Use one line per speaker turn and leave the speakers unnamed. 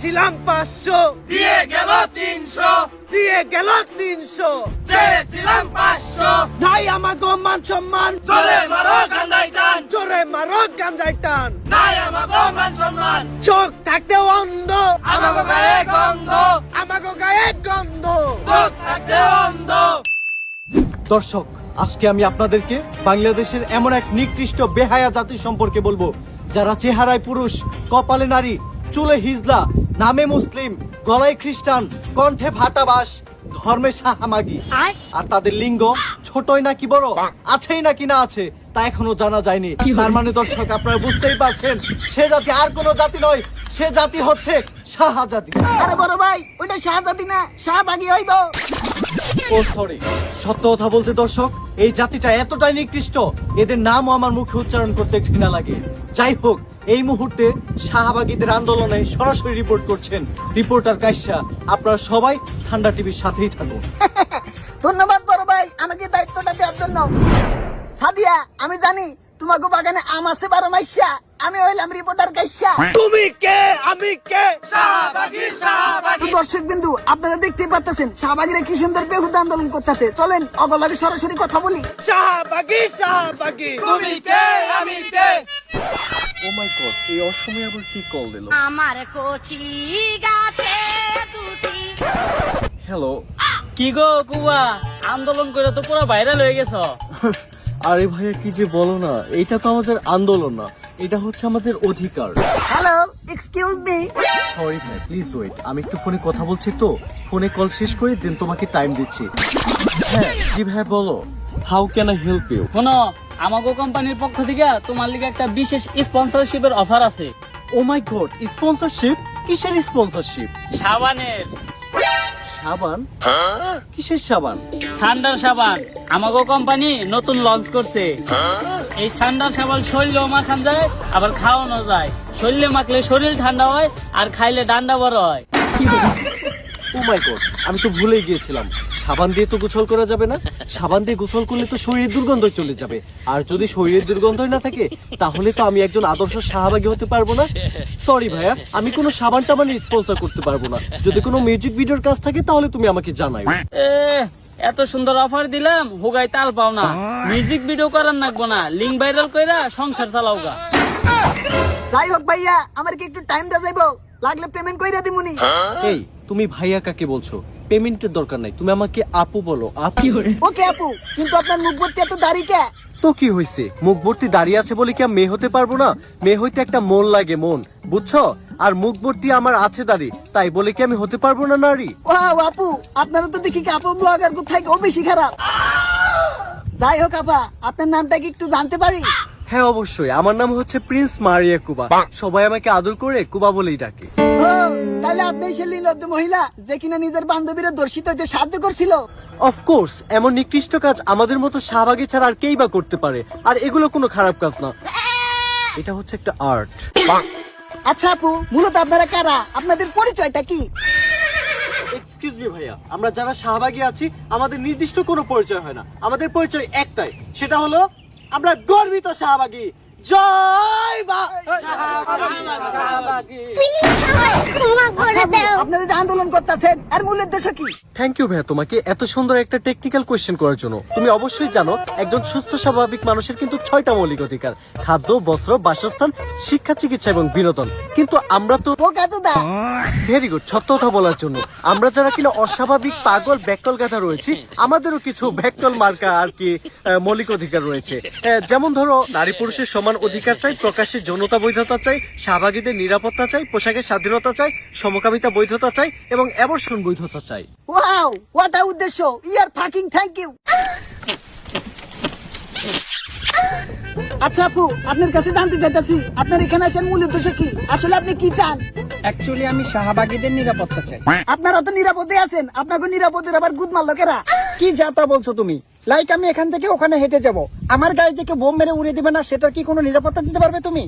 চেয়েছিলাম 500,
দিয়ে গেল 300,
দিয়ে গেল 300।
চেয়েছিলাম 500,
নাই আমাগো মান সম্মান,
জোরে মারো গান্ধাই টান,
জোরে মারো গাঞ্জাই টান।
নাই আমাগো মান সম্মান,
চোখ থাকতে অন্ধ,
আমাগো গায়ে গন্ধ,
আমাগো গায়ে গন্ধ।
চোখ থাকতে অন্ধ।
দর্শক, আজকে আমি আপনাদেরকে বাংলাদেশের এমন এক নিকৃষ্ট বেহায়া জাতি সম্পর্কে বলবো, যারা চেহারায় পুরুষ, কপালে নারী, চুলে হিজলা, নামে মুসলিম, গলায় খ্রিস্টান, কণ্ঠে ভাটাবাস, ধর্মে সাহামাগি। আর তাদের লিঙ্গ ছোটই নাকি বড়, আছেই নাকি না আছে তা এখনো জানা যায়নি। তার মানে দর্শক, আপনারা বুঝতেই পারছেন, সে জাতি আর কোনো জাতি নয়, সে জাতি হচ্ছে সাহা জাতি।
আরে বড় ভাই, ওইটা শাহজাদি না, শাহবাগি হইব।
ও সরি, সত্য কথা বলতে দর্শক, এই জাতিটা এতটাই নিকৃষ্ট, এদের নামও আমার মুখে উচ্চারণ করতে ঘৃণা লাগে। যাই হোক, এই মুহূর্তে শাহবাগীদের আন্দোলনে সরাসরি রিপোর্ট করছেন রিপোর্টার কাইসা। আপনারা সবাই ঠান্ডা টিভির সাথেই থাকুন।
ধন্যবাদ বড় ভাই আমাকে দায়িত্বটা দেওয়ার জন্য। সাদিয়া, আমি জানি তোমাকে বাগানে আম আছে 12 মাইশা, আমি হইলাম রিপোর্টার কাইসা।
তুমি কে, আমি কে?
শাহবাগী, শাহবাগী।
দর্শক বিন্দু, আপনারা দেখতেই পাচ্ছেন শাহবাগীরা কি সুন্দর বেহুদা আন্দোলন করতেছে। চলেন অগলারে সরাসরি কথা বলি।
শাহবাগী, শাহবাগী।
তুমি কে, আমি কে?
ও মাই গড, এই অসময়ে আবার কি কল দিল?
আমার কচি গাছে দুটি।
হ্যালো।
কি গো কুবা, আন্দোলন করে তো পুরো ভাইরাল হয়ে গেছ।
আরে ভাইয়া, কি যে বলো না, এটা তো আমাদের আন্দোলন না, এটা হচ্ছে আমাদের অধিকার।
Hello, excuse me.
সরি ভাই, প্লিজ ওয়েট, আমি একটু ফোনে কথা বলছি তো, ফোনে কল শেষ করে দেন তোমাকে টাইম দিচ্ছি। হ্যাঁ জি ভাই, বলো, how can I help you?
শোনো, আমাগো কোম্পানির পক্ষ থেকে তোমার লিগে একটা বিশেষ স্পন্সরশিপের অফার আছে।
Oh my god, sponsorship? কিসের স্পন্সরশিপ?
সাবানের।
সাবান? কিসের সাবান?
সান্ডার সাবান আমাগো কোম্পানি নতুন লঞ্চ করছে। এই সান্ডার সাবান শরীরেও মাখান যায়, আবার খাওয়ানো যায়। শরীরে মাখলে শরীর ঠান্ডা হয়, আর খাইলে ডান্ডা বড় হয়।
ও মাই গড, আমি তো ভুলেই গিয়েছিলাম, সাবান দিয়ে তো গোসল করা যাবে না। সাবান দিয়ে গোসল করলে তো শরীরের দুর্গন্ধ চলে যাবে, আর যদি শরীরের দুর্গন্ধই না থাকে, তাহলে তো আমি একজন আদর্শ শাহবাগী হতে পারবো না। সরি ভাইয়া, আমি কোনো সাবান টাবান স্পন্সর করতে পারবো না। যদি কোনো মিউজিক ভিডিওর কাজ থাকে তাহলে তুমি আমাকে জানাই।
এ, এত সুন্দর অফার দিলাম, হুগাই তাল পাও না। মিউজিক ভিডিও করার নাগবো না, লিঙ্ক ভাইরাল কইরা সংসার চালাও গা।
যাই হোক ভাইয়া, আমার কি একটু টাইম দেওয়া যাইবো? লাগলে পেমেন্ট কইরা দিমুনি।
এই, তুমি ভাইয়া কাকে বলছো? পেমেন্টের দরকার নাই, তুমি আমাকে আপু বলো। আপু?
ওকে আপু, কিন্তু আপনার মুখ ভর্তি এত দাড়ি কে?
তো কি হয়েছে, মুখ ভর্তি দাঁড়িয়ে আছে বলে কি আমি মেয়ে হতে পারবো না? মেয়ে হইতে একটা মন লাগে, মন, বুঝছো? আর মুখ ভর্তি আমার আছে দাড়ি, তাই বলে কি আমি হতে পারবো না নারী?
ওয়াও আপু, আপনারা তো দেখি আপু ব্লগার কোথায় ও বেশি খারাপ। যাই হোক আপা, আপনার নামটা কি একটু জানতে পারি?
হ্যাঁ অবশ্যই, আমার নাম হচ্ছে প্রিন্স মারিয়া কুবা। সবাই আমাকে আদর করে কুবা বলেই ডাকে।
ও, তাহলে আপনি সেই নির্লজ্জ মহিলা যে কিনা নিজের বান্ধবীরা দর্শিত হতে সাহায্য করছিল।
অফকোর্স, এমন নিকৃষ্ট কাজ আমাদের মতো শাহবাগী ছাড়া আর কেই বা করতে পারে, আর এগুলো কোনো খারাপ কাজ না, এটা হচ্ছে একটা আর্ট।
আচ্ছা আপু, মূলত আপনারা কারা? আপনাদের পরিচয়টা কি?
এক্সকিউজ মি ভাইয়া, আমরা যারা শাহবাগী আছি আমাদের নির্দিষ্ট কোনো পরিচয় হয় না, আমাদের পরিচয় একটাই, সেটা হলো আমরা গর্বিত শাহবাগী। জয় মা শাহবাগী।
আচ্ছা আপু, আপনারা যে আন্দোলন করতেছেন এর মূল উদ্দেশ্য কি?
থ্যাংক ইউ ভাইয়া তোমাকে এত সুন্দর একটা টেকনিক্যাল কোয়েশ্চেন করার জন্য। তুমি অবশ্যই জানো, একজন সুস্থ স্বাভাবিক মানুষের কিন্তু 6টা মৌলিক অধিকার: খাদ্য, বস্ত্র, বাসস্থান, শিক্ষা, চিকিৎসা এবং বিনোদন। কিন্তু আমরা তো
বোকাচোদা।
ভেরি গুড, সত্য কথা বলার জন্য। আমরা যারা কিনা অস্বাভাবিক, পাগল, ব্যাককল গাধা রয়েছি, আমাদেরও কিছু ব্যাককল মার্কা আর কি মৌলিক অধিকার রয়েছে। যেমন ধরো, নারী পুরুষের সমান অধিকার চাই, প্রকাশ্যে যৌনতা বৈধতা চাই, শাহবাগীদের নিরাপত্তা চাই, পোশাকের স্বাধীনতা চাই, সমকামিতা বৈধতা চাই এবং অ্যাবর্শন বৈধতা চাই।
ওয়াও, হোয়াট আ উদ্দেশ্য! ইয়ার ফাকিং থ্যাংক ইউ। আচ্ছা আপু, আপনার কাছে জানতে চাইতাছি, আপনার এখানে আসার মূল উদ্দেশ্য কি? আসলে আপনি কি চান?
অ্যাকচুয়ালি আমি শাহবাগীদের নিরাপত্তা চাই।
আপনারা তো নিরাপদে আছেন, আপনাকে নিরাপদের আবার গুদ মারলো কেরা?
কি যাতা বলছো তুমি? লাইক আমি এখান থেকে ওখানে হেঁটে যাব, আমার গায়ে যে কেউ বোম মেরে উড়িয়ে দিবে না, সেটার কি কোনো নিরাপত্তা দিতে পারবে তুমি?